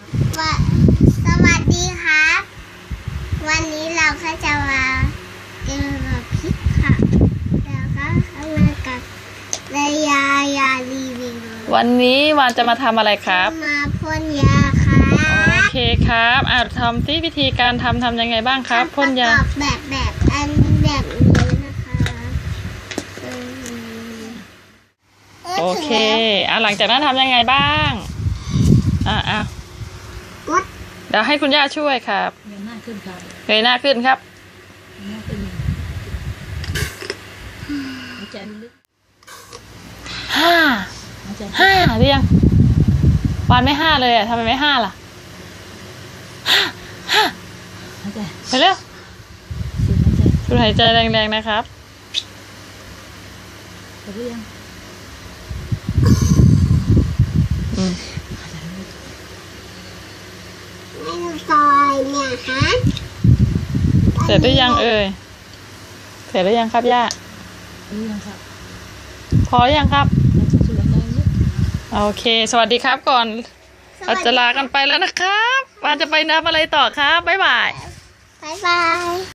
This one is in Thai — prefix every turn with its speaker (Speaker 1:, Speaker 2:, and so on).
Speaker 1: ว่าสวัสดีครับ วันนี้เราก็จะมากินกับพริกค่ะแล้วก็มากับยารีวิว
Speaker 2: วันนี้วานจะมาทำอะไรครับ
Speaker 1: มาพ่นยาค่ะ
Speaker 2: โอเคครับทำที่วิธีการทำยังไงบ้างครับพ่นยา
Speaker 1: แบบอันแบบนี้นะคะ
Speaker 2: โอเคหลังจากนั้นทำยังไงบ้าง
Speaker 1: กด
Speaker 2: เดี๋ยวให้คุณย่าช่วยครับ
Speaker 3: เงยหน้าขึ้นครับ
Speaker 2: เงยหน้าขึ้นครับ
Speaker 3: เงยหน้าขึ้นหายใจลึก
Speaker 2: ห้า
Speaker 3: หายใจ
Speaker 2: หรือยังวานไม่ห้าเลยทำไมไม่ห้าล่ะห้า
Speaker 3: หายใจ
Speaker 2: ไปเร็ว
Speaker 3: สูดหายใจ
Speaker 2: สูดหายใจแรงๆนะครับ
Speaker 3: เสร็จหรือยัง
Speaker 1: ไม่ต้องซอยเนี่ยฮะ
Speaker 2: เสร็จหรือยังเอ่ยเสร็จหรือยังครับย่า
Speaker 3: หรือยังครับ
Speaker 2: พอหรือยังครับ
Speaker 3: สูดหายใจลึก
Speaker 2: โอเค สวัสดีครับก่อนเราจะลากันไปแล้วนะครับวานจะไปนับอะไรต่อครับบ๊ายบาย
Speaker 1: บ๊ายบาย